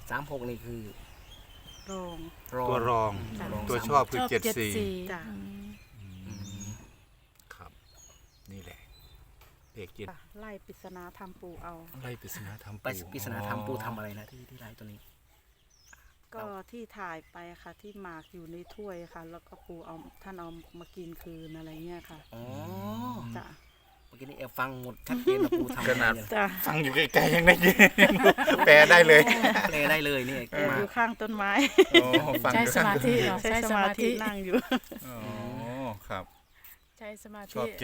36นี่คือรองตัวรองตัวชอบคือ74 จ้ะครับนี่แหละเลข7 ไล่ปริศนาธรรมปู่เอาอะไรปริศนาธรรมไปปริศนาธรรมปูทำอะไรนะที่ไลฟ์ตัวนี้ก็ที่ถ่ายไปค่ะที่หมากอยู่ในถ้วยค่ะ แล้วก็ปู่เอาท่านเอามากินคืนอะไรเงี้ยค่ะอ๋อจ้ะเมื่อกี้นี้ฟังหมดชัดเจนนะปูทำอะไรเนี่ยจ้ะฟังอยู่ไกลๆยังได้ยินแปลได้เลยแปลได้เลยนี่อมายู่ข้างต้นไม้โอ้ฟังใช้อยู่สมาธิเหรอใช้สมาธินั่งอยู่อ๋อครับใช้สมาชธิอบ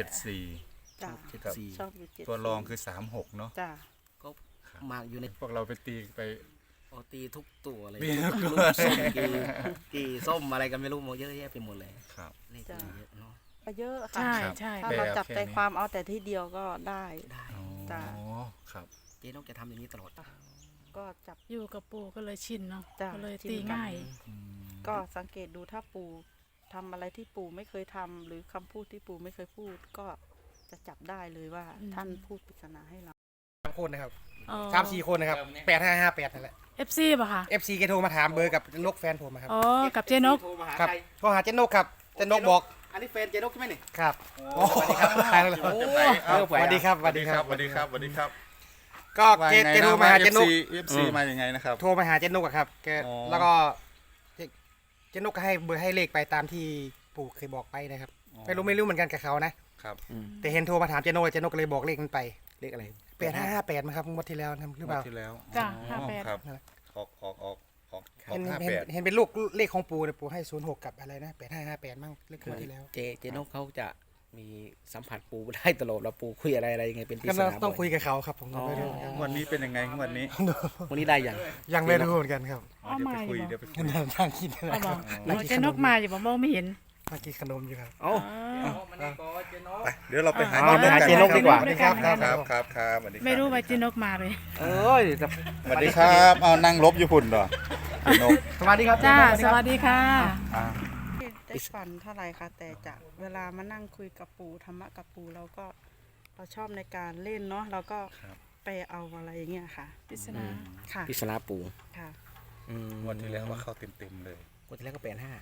74 จ้ะครับ 74 ชอบอยู่7 ตัวรองคือ36เนาะจ้ะก็มากอยู่ในพวกเราไปตีไปโอตีทุกตัวเลยตีทุกตัวลูส้มกี่ส้มอะไรกันไม่รู้หมดเยอะแยะไปหมดเลยครับเลขเยอะเนาะก็เยอะค่ะใช่ครับใช่ถ้าเราจับใจความเอาแต่ที่เดียวก็ได้ได้อ๋อจ้ะครับเจ๊นกจะทำอย่างนี้ตลอดก็จับอยู่กับปู่ก็เลยชินเนาะจ้ะก็เลยชินตีง่ายอืมก็สังเกตดูถ้าปู่ทำอะไรที่ปู่ไม่เคยทำหรือคำพูดที่ปู่ไม่เคยพูดก็จะจับได้เลยว่าท่านพูดปริศนาให้เรา 3 คนนะครับอ๋อ 3-4 คนนะครับ8558นั่นแหละ FC ป่ะคะ FC แกโทรมาถามเบอร์กับนกแฟนผมอะครับอ๋อกับเจนกครับโทรหาเจนนกครับเจนนกบอกอันนี้แฟนเจ๊นกใช่ไหมนี่ครับโอ้สวัสดีครับสวัสดีครับสวัสดีครับสวัสดีครับสวัสดีครับก็แกโทรมาหาเจนนก FC มายังไงนะครับโทรมาหาเจนนกอะครับแกอ๋อแล้วก็เจนนกก็ให้เบอร์ให้เลขไปตามที่ปู่เคยบอกไปนะครับไม่รู้เหมือนกันกับเขานะครับ แต่เห็นโทรมาถามเจนนกเจนนกก็เลยบอกเลขนั้นไปเลขอะไร 8558มั้งครับงวดที่แล้วนะครับหรือเปล่าที่แล้วจ้ะอ๋อ 58 ครับนั่นแหละออกเห็น 58 เห็นเป็นลูกเลขของปู่เนี่ยปู่ให้06กับอะไรนะ8558มั้งเลขงวดที่แล้วเจ๊นกเขาจะมีสัมผัสปูได้ตลอดแล้วปูคุยอะไรยังไงเป็นปริก็ศนาต้องคุยบ่กับเขาครับผมก็ไม่รู้อ๋องวดนี้เป็นยังไงงวดนี้วันนี้ได้ยังยังไม่รู้เหมือนกันครับเอามาอยู่เดี๋ยวไปคุยนั่งกินนะเอาคบรัอบ กโอ้เจนกมาอยู่บ่มองไม่เห็นนั่งกินขนมอยู่ครับเอ้าอ๋อไปเดี๋ยวเราไปหาเอาไปหาเจ๊นกดีกว่าสวัสดีครับครับสวัสดีครับไม่รู้ว่าเจนกมาเลยเอ้ยจะสวัสดีครับเอานั่งลบอยู่พุ่นเหรอพี่นกสวัสดีครับจ้าสสวัวัสสดีดีค่ะได้ฝันเท่าไหร่คะแต่จากเวลามานั่งคุยกับปู่ธรรมะกับปู่เราชอบในการเล่นเนาะเราก็ไปเอาอะไรอย่างเงี้ยค่ะปริศนาค่ะปริศนาปูค่ะงวดที่แล้วว่าเข้าเต็มๆเลยวันที่แล้วก็85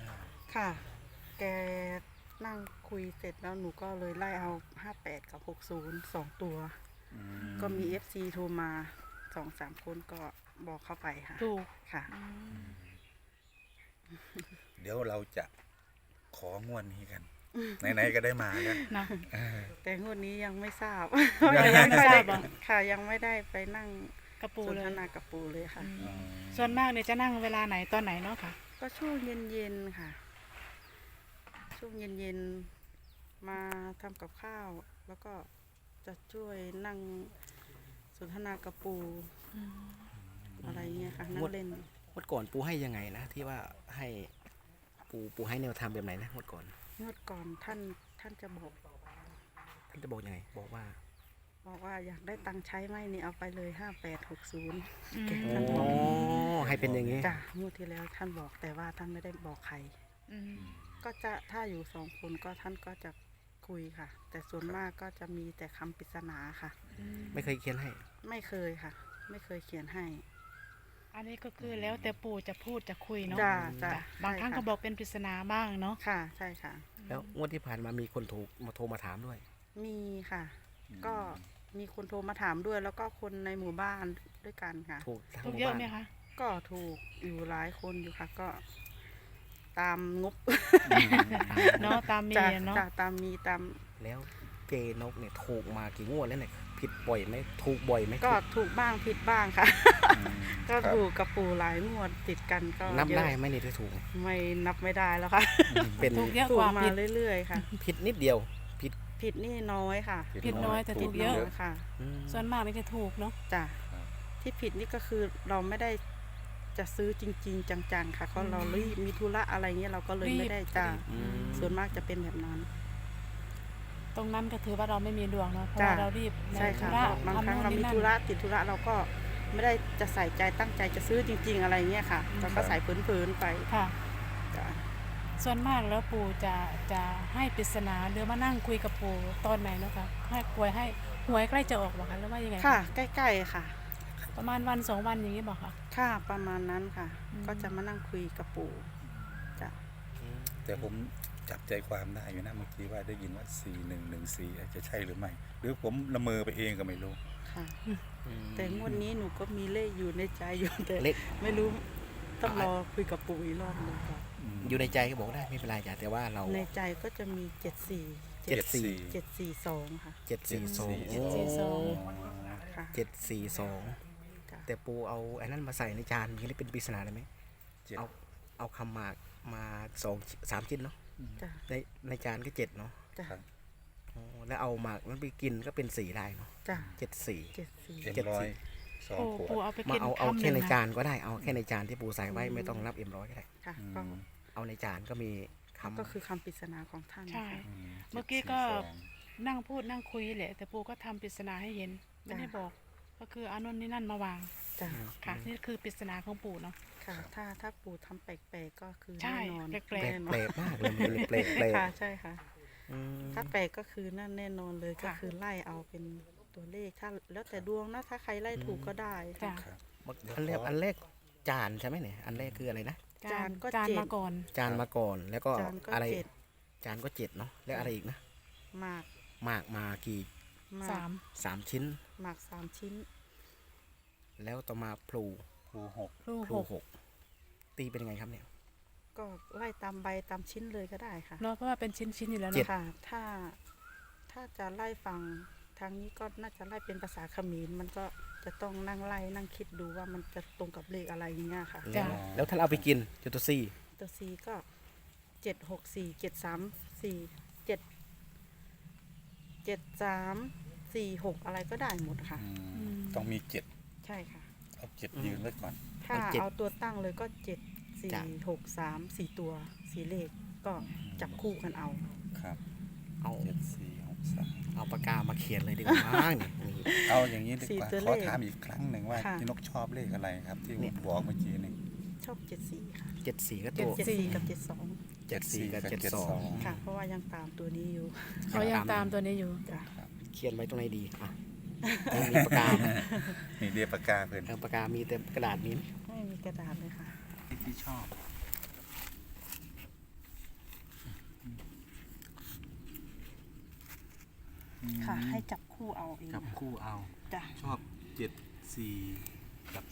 85 ค่ะ แกนั่งคุยเสร็จแล้วหนูก็เลยไล่เอา58กับ60 2 ตัว ก็มี FC โทรมา 2-3 คนก็บอกเข้าไปค่ะถูกค่ะเดี๋ยวเราจะของวดนี้กันไหนๆก็ได้มาแล้วนะแต่งวดนี้ยังไม่ทราบยังไม่ทราบเหรอค่ะยังไม่ได้ไปนั่งกระปูสนเลยทนากับปู่เลยค่ะส่วนมากเนี่ยจะนั่งเวลาไหนตอนไหนเนาะค่ะก็ช่วงเย็นๆค่ะ ช่วงเย็นๆมาทำกับข้าว แล้วก็จะช่วยนั่งสนทนากับปู่อะไรเงี้ยค่ะนั่งเล่นงวดก่อนปูให้ยังไงนะที่ว่าให้ปูให้แนวทางแบบไหนนะงวดก่อนงวดก่อนท่านจะบอกท่านจะบอกยังไงบอกว่าอยากได้ตังค์ใช้ไหมนี่เอาไปเลย5860แกโอ้ท่านบอกให้เป็นอย่างนี้จ้ะงวดที่แล้วท่านบอกแต่ว่าท่านไม่ได้บอกใคร ก็จะถ้าอยู่2 คนก็ท่านก็จะคุยค่ะ แต่ส่วนมากก็จะมีแต่คำปริศนาค่ะไม่เคยเขียนให้ไม่เคยค่ะ ไม่เคยเขียนให้อันนี้ก็คือแล้วแต่ปู่จะพูดจะคุยเนาะจ้ะบางครั้งใช่ก็ค่ะบอกเป็นปริศนาบ้างเนาะค่ะใช่ค่ะแล้วงวดที่ผ่านมามีคนถูกมาโทรมาถามด้วยมีค่ะ ก็มีคนโทรมาถามด้วย แล้วก็คนในหมู่บ้านด้วยกันค่ะถูกทั้งถูหกมู่เยอะบ้านก็ถูกอยู่หลายคนอยู่ค่ะ ก็ตามงบเนาะตามมีจ้ะอะเนาะจ้ะตามมีตามแล้วเจนกเนี่ยถูกมากี่งวดแล้วเนี่ยผิดบ่อยไหมถูกบ่อยไหมก็ถูกบ้างผิดบ้างค่ะ ก็ครับถูกกับปู่หลายงวดติดกันก็นับเยอะได้ไหมเนี่ยที่ถูกไม่นับไม่ได้แล้วค่ะเป็นถูกเยอะถูกกว่ามาผิดเรื่อยๆค่ะผิดนิดเดียวผิดผิดนี่น้อยค่ะผิดน้อยแต่ผิถูดกเยอะน้อยค่ะส่วนมากนี่จะถูกเนาะจ้ะที่ผิดนี่ก็คือเราไม่ได้จะซื้อจริง ๆ จังๆค่ะเพราะเรารีบมีธุระอะไรเงี้ยเราก็เลยไม่ได้จ้ะส่วนมากจะเป็นแบบนั้นตรงนั้นก็ถือว่าเราไม่มีดวงเนาะเพราะจ้ะว่าเรารีบใช่ค่ะธุระบางครั้งทำเราโน่นมีนี่นั่นธุระติดธุระเราก็ไม่ได้จะใส่ใจตั้งใจจะซื้อจริง ๆ อะไรเงี้ยค่ะเราก็ใส่พื้นๆไปค่ะจ้ะส่วนมากแล้วปู่จะให้ปริศนาหรือมานั่งคุยกับปู่ตอนไหนเนาะคะให้ป่วยให้หวยใกล้จะออกหรอคะหรือว่ายังไงค่ะ ใกล้ๆค่ะใประมาณวัน2 วันอย่างนี้บอกค่ะค่ะประมาณนั้นค่ะอืมก็จะมานั่งคุยกับปู่จ้ะแต่ผมจับใจความได้อยู่นะเมื่อกี้ว่าได้ยินว่า4114อาจจะใช่หรือไม่ หรือผมละเมอไปเองก็ไม่รู้ค่ะ แต่งวดนี้หนูก็มีเลขอยู่ในใจอยู่แต่เลขไม่รู้ต้องรอคุยกับปู่อีกรอบหนึงก่อนอยู่ในใจก็บอกได้ไม่เป็นไรจ้ะแต่ว่าเราในใจก็จะมี74 742ค่ะ 742 742 ค่ะ 742 จ้ะแต่ปูเอาไอ้นั่นมาใส่ในจานมันจะเป็นปริศนาได้ไหมเจ็ดเอาคำหมากมา3 ชิ้นเนาะจ้ะในจานก็7เนาะจ้ะครับอ๋อแล้วเอาหมากนั้นไปกินก็เป็น4ได้เนาะจ้ะ 74 74 M100 2 ปูขวปูดเอาไปมากินเอาคำหแค่นึ่งในนะจานก็ได้เอาแค่ในจานที่ปูใส่ไว้ไม่ต้องรับM100ก็ได้ค่ะอืก็มเอาในจานก็มีคำก็คือคำปริศนาของท่านใช่นะคะเมื่อกี้ก็ นั่งพูดนั่งคุยแหละ แต่ปูก็ทำปริศนาให้เห็น ไม่ได้บอก ก็คือเอานนนี่นั่นมาวางจ้ะค่ะ นี่คือปริศนาของปู่เนาะค่ะ ถ้าปู่ทำแปลกๆก็คือใช่แน่นอนแปลกแปลกมากเลยมันเป็นแปลกค่ะใช่ค่ะอืมถ้าแปลกก็คือนั่นแน่นอนเลยก็ค่ะคือไล่เอาเป็นตัวเลขถ้าแล้วแต่ดวงนะถ้าใครไล่ถูกก็ได้จ้ะค่ะอันแรกจานใช่ไหมเนี่ยอันแรกคืออะไรนะจานก็จานเจ็ดมาก่อนจานมาก่อนแล้วก็จานก็อะไรเจ็ดจานก็7เนาะแล้วอะไรอีกนะหมากหมากมากี่หมาก 3 ชิ้นหมาก3 ชิ้นแล้วต่อมาพลูครูหกลูกพลูหก 6ตีเป็นยังไงครับเนี่ยก็ไล่ตามใบตามชิ้นเลยก็ได้ค่ะเนาะเพราะว่าเป็นชิ้นๆอยู่แล้วเจ็ดเนาะค่ะถ้าจะไล่ฟังทางนี้ก็น่าจะไล่เป็นภาษาเขมรมันก็จะต้องนั่งไล่นั่งคิดดูว่ามันจะตรงกับเลขอะไรอย่างเงี้ยค่ะแล้วแล้วถ้าเราเอาไปกินจุดตัวซีตัวซีก็764 734 77346อะไรก็ได้หมดค่ะต้องมีใช่ค่ะ 7 เอา 7 ยืนไว้ก่อนถ้าเอาตัวตั้งเลยก็7 4 6 3 4 ตัว4 เลขก็จับคู่กันเอาครับเอา 7463 เอาปากกามาเขียนเลยดีกว่ามั้งนี่เอาอย่างนี้ดีกว่า 4 ตัวขเลอขถามอีกครั้งหนึ่งว่าค่ะพี่นกชอบเลขอะไรครับ ที่ผมบอกเมื่อกี้นี่ชอบ74ค่ะ 74ก็ตัว 74กับ 74กับ72 ค่ะ เพราะว่ายังตามตัวนี้อยู่เขายังตามตัวนี้อยู่จ้ะเขียนไว้ตรงไหนดีอ่ะไม่มีปากกาไหมนี่เรียกปากกาเพื่อนเอาปากกามีแต่กระดาษนี้ไหมไม่มีกระดาษเลยค่ะที่ชอบค่ะ ให้จับคู่เอาเองกับคู่เอาจ้ะชอบ 7 4 กับ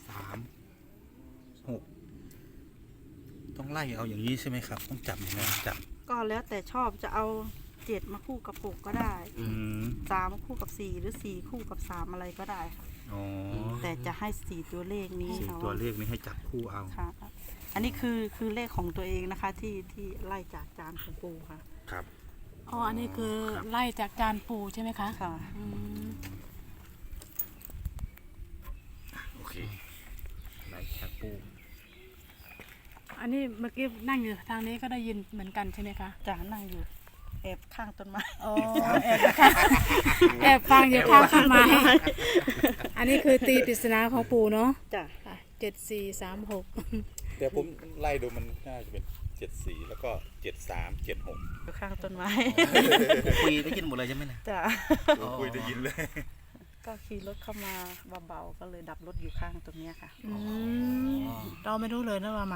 3 6 ต้องไล่เอาอย่างนี้ใช่ไหมครับ ต้องจับยังไงจับก็แล้วแต่ชอบจะเอา7มาคู่กับ6ก็ได้อืม 3คู่กับ4หรือ4คู่กับ3อะไรก็ได้ค่ะอ๋อแต่จะให้4ตัวเลขนี้สี่ค่ะตัวเลขนี้ให้จับคู่เอาค่ะ อันนี้คือเลขของตัวเองนะคะ ที่ไล่จากจานของปูค่ะครับอ๋อ อันนี้คือครับไล่จากจานปู่ใช่ไหมคะค่ะอืมโอเคไหนจากปูอันนี้เมื่อกี้นั่งอยู่ทางนี้ก็ได้ยินเหมือนกันใช่ไหมคะจะนั่งอยู่แอบข้างต้นไม้อ๋อแอบฟังอยู่ข้างต้นไม้อันนี้คือตีปริศนาของปู่เนาะจ้ะ 7436 แต่ผมไล่ดูมันน่าจะเป็น 74 แล้วก็ 73 76 อยู่ข้างต้นไม้คุยได้ยินหมดเลยใช่ไหมนะจ้ะคุยได้ยินเลยก็ขี่รถเข้ามาเบาๆก็เลยดับรถอยู่ข้างตรงเนี้ยค่ะอืมเราไม่รู้เลยนะว่ามา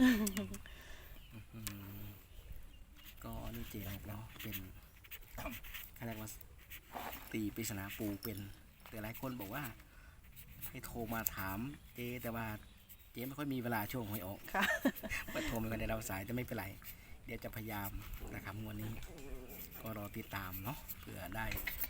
ก็นี่เจนเนาะเป็นอะไรว่าตีปริศนาปูเป็นแต่หลายคนบอกว่า ให้โทรมาถามเจแต่ว่าเจไม่ค่อยมีเวลาช่วงหวยออกค่ะมาโทรมาในเราสายจะไม่เป็นไร เดี๋ยวจะพยายามนะครับงวดนี้ ก็รอติดตามเนาะเผื่อได้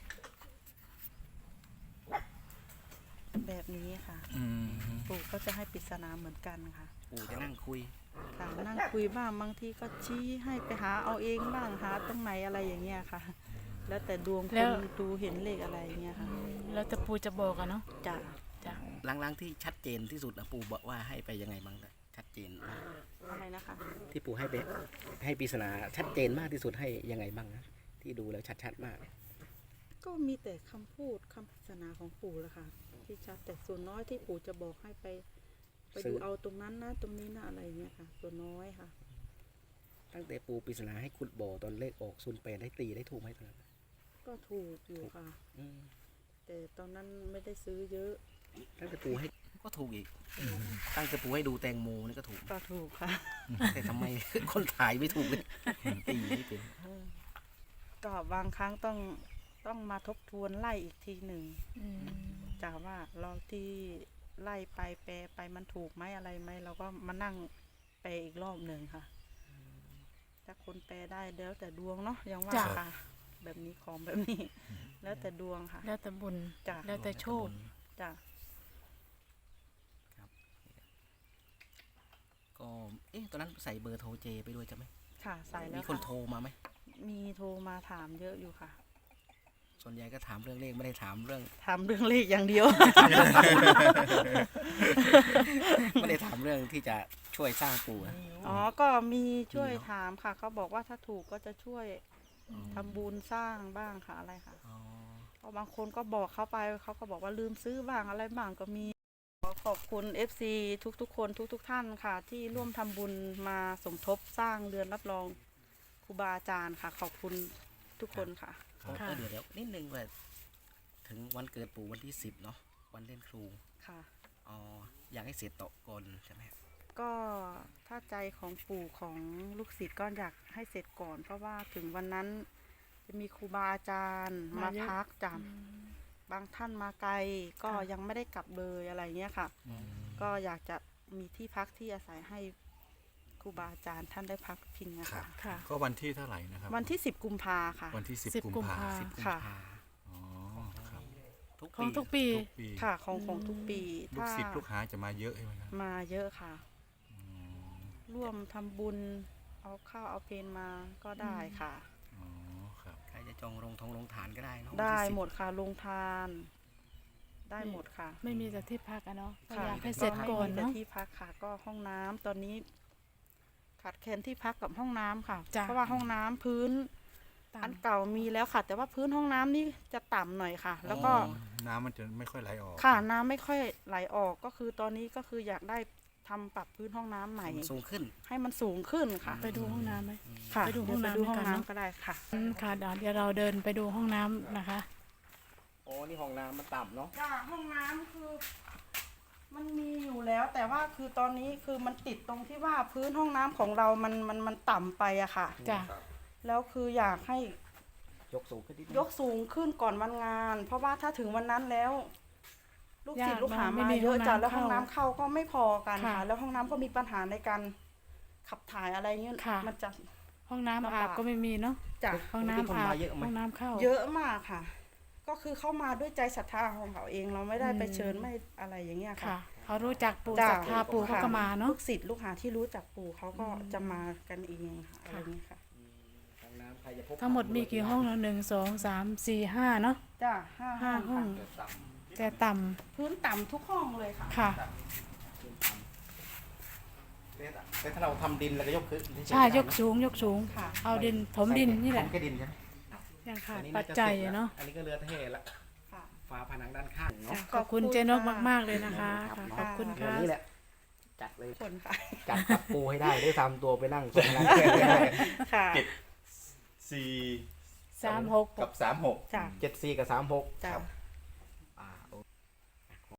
แบบนี้ค่ะอืมปู่ก็จะให้ปริศนาเหมือนกันค่ะปูจะนั่งคุยค่ะนั่งคุยบ้างบางทีก็ชี้ให้ไปหาเอาเองบ้างหาตรงไหนอะไรอย่างเงี้ยค่ะ แล้วแต่ดวงคแล้วนดูเห็นเลขอะไรอย่างเงี้ยค่ะแล้วแต่ปู่จะบอกอะเนาะจ้ะจ้ะหลังๆที่ชัดเจนที่สุดนะปูบอกว่าให้ไปยังไงบ้างนะชัดเจนมากอะไรนะคะที่ปูให้ไปให้ปริศนาชัดเจนมากที่สุดให้ยังไงบ้างนะที่ดูแล้วชัดๆมากก็มีแต่คำพูดคำปริศนาของปู่แหละค่ะ ที่ชัดแต่ส่วนน้อยที่ปู่จะบอกให้ไปซื้ดูอเอาตรงนั้นนะตรงนี้นะอะไรอย่างเงี้ยค่ะ ส่วนน้อยค่ะตั้งแต่ปูปริศนาให้ขุดบ่อตอนเลขออก08ได้ตีได้ถูกไหมตอนนั้นก็ถูกอยู่ค่ะอืมแต่ตอนนั้นไม่ได้ซื้อเยอะตั้งแต่ปูให้ก็ถูกอีก ตั้งแต่ปูให้ดูแตงโมนี่ก็ถูกก็ถูกค่ะแต่ทำไม คนถ่ายไม่ถูกเลยตีไม่เป็นก็บางครั้งต้องมาทบทวนไล่อีกทีหนึ่งจากว่าเราที่ไล่ไปแปลไปมันถูกไหมอะไรไหมเราก็มานั่งแปลอีกรอบหนึ่งค่ะถ้าคนแปลได้แล้วแต่ดวงเนาะยังว่าจ้ะค่ะ แบบนี้ของแบบนี้ แล้วแต่ดวงค่ะแล้วแต่บุญจ้ะแล้วแต่โชคจ้ะก็ตอนนั้นใส่เบอร์โทรเจไปด้วยใช่ไหมค่ะใส่แล้มีวคนค่ะโทรมาไหมมีโทรมาถามเยอะอยู่ค่ะส่วนใหญ่ก็ถามเรื่องเลขไม่ได้ถามเรื่องถามเรื่องเลขอย่างเดียวไม่ได้ถามเรื่องที่จะช่วยสร้างปู่นะอ๋อ ก็มีช่วยถามค่ะ เขาบอกว่าถ้าถูกก็จะช่วยทำบุญสร้างบ้างค่ะอะไรค่ะอ๋อเพราะบางคนก็บอกเขาไปเขาก็บอกว่าลืมซื้อบ้างอะไรบ้างก็มีขอขอบคุณ FC ทุกๆคนทุกท่านค่ะ ที่ร่วมทำบุญมาสมทบสร้างเรือนรับรองครูบาอาจารย์ค่ะ ขอบคุณทุกคนค่ะค่ะเดี๋ยวนิดนึงว่าถึงวันเกิดปู่วันที่10เนาะวันเล่นครูค่ะอ๋ออยากให้เสร็จโตะก่อนใช่ไหมก็ถ้าใจของปู่ของลูกศิษย์ก็อยากให้เสร็จก่อน เพราะว่าถึงวันนั้นจะมีครูบาอาจารย์มามาเยอะพักจำบางท่านมาไกลก็ยังไม่ได้กลับเลยอะไรเงี้ยค่ะ ก็อยากจะมีที่พักที่อาศัยให้ครูบาอาจารย์ท่านได้พักพิงนะคะค่ะก็วันที่เท่าไหร่นะครับวันที่10 กุมภาค่ะวันที่ 10 10 กุมกุมภาภา 10 กุมค่ะภาอ๋อครับของทุกปีทุกปีค่ะของทุกปีลูกศิษย์ลูกหาจะมาเยอะใช่ไหมครับมาเยอะค่ะ ร่วมทำบุญเอาข้าวเอาเพลมาก็ได้ค่ะอ๋อครับใครจะจองลงฐานก็ได้เนาะได้วันที่10 หมดค่ะลงทาน ได้หมดค่ะไม่มีแต่ที่พักอะเนาะก็ค่ะอยากให้เสร็จก่อนไม่มีแต่เนาะที่พักค่ะ ก็ห้องน้ำตอนนี้ขาดแคลนที่พักกับห้องน้ำค่ะจ้ะเพราะว่าห้องน้ำพื้นตามอันเก่ามีแล้วค่ะ แต่ว่าพื้นห้องน้ำนี่จะต่ำหน่อยค่ะ แล้วก็น้ำมันจะไม่ค่อยไหลออกค่ะน้ำไม่ค่อยไหลออกก็คือตอนนี้ก็คืออยากได้ทำปรับพื้นห้องน้ำใหม่สูงขึ้นให้มันสูงขึ้นค่ะไปดูห้องน้ำไหมค่ะไปดูห้องน้ำเยวไปดูห้องด้วยกันเนอะน้ำก็ได้ค่ะค่ะเดี๋ยวเราเดินไปดูห้องน้ำนะคะโอ้นี่ห้องน้ำมันต่ำเนาะจ้าห้องน้ำคือ มันมีอยู่แล้ว แต่ว่าคือตอนนี้คือมันติดตรงที่ว่าพื้นห้องน้ำของเรามันต่ำไปอะค่ะจ้ะแล้วคืออยากให้ยกสูงขึ้นนิดนึงยกสูงขึ้นก่อนวันงาน เพราะว่าถ้าถึงวันนั้นแล้ว ลูกศิษย์ยากลูกหาไม่มามีเยอะห้องน้ำจ้ะแล้วห้องเข้าน้ำเข้าก็ไม่พอกันค่ะค่ะ แล้วห้องน้ำก็มีปัญหาในการขับถ่ายอะไรเงี้ยค่ะมันจะห้องน้ำลำบากอาบก็ไม่มีเนาะจ้ะห้องน้ำคนอาบมาเยอะไหมห้องน้ำเข้าเยอะมากค่ะ ก็คือเข้ามาด้วยใจศรัทธาของเขาเองเราไม่ได้ไปเชิญไม่อะไรอย่างเงี้ยค่ะค่ะเขารู้จักปู่จ้ะศรัทธาปู่เขาก็มาเนาะลูกศิษย์ลูกหาที่รู้จักปู่เขาก็จะมากันเองค่ะอะไรเงี้ยค่ะห้องน้ำใครจะพบทั้งหมดมีกี่ห้องเนาะ1 2 3 4 5เนาะจ้ะห้าห้าห้ห้ออง งต่แต่ต่พื้นต่ำทุกห้องเลยค่ะำค่ะำแต่ถ้าเราทำดินเราก็ยกขึ้นใช่ยกสูงยกสูงค่ะเอาดินถมดินนี่แหละผมแค่ดินใช่ไหมยังขาดอันนี้ปัน่าจจะจัยสร็จแล้วอะเนาะอันนี้ก็เรือเทละค่ะฝาผนังด้านข้างเนาะขอบคุณเจนกมากๆเลยนะคะค่ะขอบคุณเดี๋ยวค่ะนี้แหละจัดเลยคนค่ะจัดกับปูให้ได้ได้ทำตัวไปนั่งตรงนั้นให้ได้ค่ะ 4 36 กับ 36 จ้ะ 74 กับ 36 จ้ะครับ